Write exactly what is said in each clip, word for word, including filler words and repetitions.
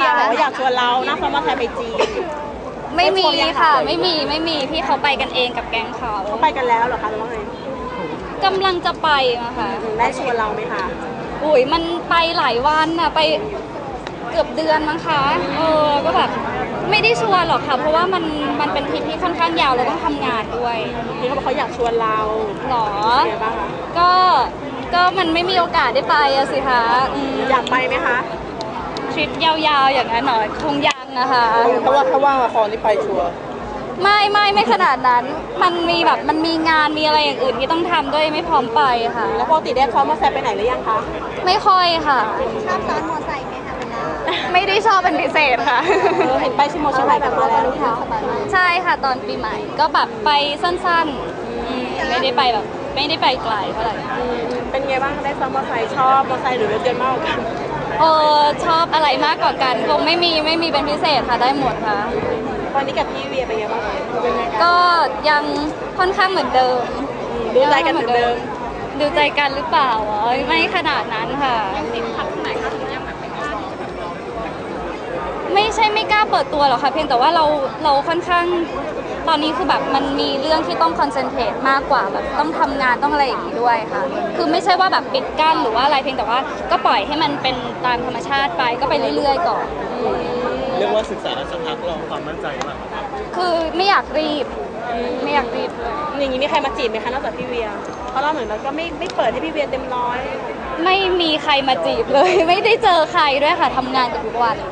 ยบอกว่าอยากชวนเรานั่งซ้อนมอเตอร์ไซค์ไปจีนไม่มีค่ะไม่มีไม่มีพี่เขาไปกันเองกับแก๊งเขาเขาไปกันแล้วเหรอคะหรือว่าไงกำลังจะไปนะคะได้ชวนเราไหมคะอุ้ยมันไปหลายวันอะไปเกือบเดือนมั้งคะเออก็แบบไม่ได้ชวนหรอกค่ะเพราะว่ามันมันเป็นทริปที่ค่อนข้างยาวเราต้องทำงานด้วยพี่เขาบอกเขาอยากชวนเราหรอบ้างคะก็ก็มันไม่มีโอกาสได้ไปอะสิคะอยากไปไหมคะทริปยาวๆอย่างนั้นหน่อยคงยังนะคะเพราะว่าถ้าว่างละครนี่ไปชัวร์ไม่ไม่ไม่ขนาดนั้นมันมีแบบมันมีงานมีอะไรอย่างอื่นที่ต้องทำด้วยไม่พร้อมไปค่ะแล้วปกติได้ซ้อนมอเตอร์ไซค์ไปไหนหรือยังคะไม่ค่อยค่ะชอบซ้อนมอเตอร์ไซค์ไหมคะเวลาไม่ได้ชอบเป็นพิเศษค่ะเห็นไปชิมโมชิมไห่กันมาแล้วค่ะใช่ค่ะตอนปีใหม่ก็แบบไปสั้นๆไม่ได้ไปแบบไม่ได้ไปไกลเท่าไหร่เป็นไงบ้างได้ซ้อนมอเตอร์ไซค์ชอบมอเตอร์ไซค์หรือรถยนต์มากกว่ากันเออชอบอะไรมากกว่ากันคงไม่มีไม่มีเป็นพิเศษค่ะได้หมดค่ะตอนนี้กับพี่เวียเป็นไงบ้างก็ยังค่อนข้างเหมือนเดิมดูใจกันเหมือนเดิมดูใจกันหรือเปล่าไม่ขนาดนั้นค่ะติดขัดไหนคะถึงยังแบบไม่กล้าไม่ใช่ไม่กล้าเปิดตัวหรอกค่ะเพียงแต่ว่าเราเราค่อนข้างตอนนี้คือแบบมันมีเรื่องที่ต้องคอนเซนเทรตมากกว่าแบบต้องทำงานต้องอะไรอย่างนี้ด้วยค่ะคือไม่ใช่ว่าแบบปิดกั้นหรือว่าอะไรเพียงแต่ว่าก็ปล่อยให้มันเป็นตามธรรมชาติไปก็ไปเรื่อยๆก่อนเรียกว่าศึกษาสักพักลองความมั่นใจมากคือไม่อยากรีบไม่อยากรีบอย่างนี้มีใครมาจีบไหมคะนอกจากพี่เวียเพราะเราเหมือนเราก็ไม่ไม่เปิดให้พี่เวียเต็มร้อยไม่มีใครมาจีบเลยไม่ได้เจอใครด้วยค่ะทำงานกับทุกวัน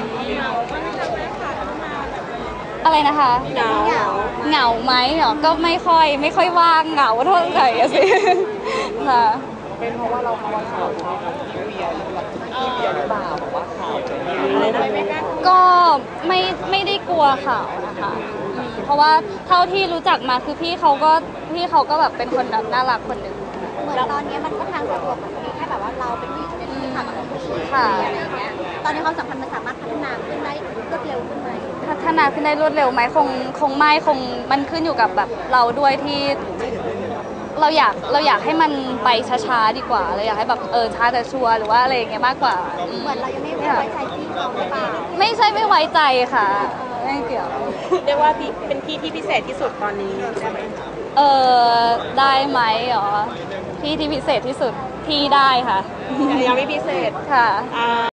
อะไรนะคะเหงาเหงาไหมเหรอก็ไม่ค่อยไม่ค่อยว่างเหงาเท่าไหร่สิค่ะเป็นเพราะว่าเราทำข่าวพี่เวียพี่เวียหรือเปล่าบอกว่าข่าวอะไรนะก็ไม่ไม่ได้กลัวข่าวนะคะเพราะว่าเท่าที่รู้จักมาคือพี่เขาก็พี่เขาก็แบบเป็นคนแบบน่ารักคนหนึ่งเหมือนตอนนี้มันก็ทางสะดวกมันมีแค่แบบว่าเราเป็นผู้หญิงเป็นที่ทำกับผู้หญิงอะไรอย่างเงี้ยตอนนี้ความสัมพันธ์มันสามารถพัฒนาขึ้นได้รวดเร็วขึ้นไหมพัฒนาขึ้นได้รวดเร็วไหมคงคงไม่คงมันขึ้นอยู่กับแบบเราด้วยที่เราอยากเราอยากให้มันไปช้าๆดีกว่าเราอยากให้แบบเออช้าแต่ชัวร์หรือว่าอะไรอย่างเงี้ยมากกว่าเหมือนเรายังไม่ไว้ใจพี่เขาหรือเปล่าไม่ใช่ไม่ไว้ใจค่ะไม่เกี่ยวเรียกว่าพี่เป็นพี่ที่พิเศษที่สุดตอนนี้ได้ไหมเออได้ไหมอ๋อพี่ที่พิเศษที่สุดที่ได้ค่ะยังไม่พิเศษค่ะ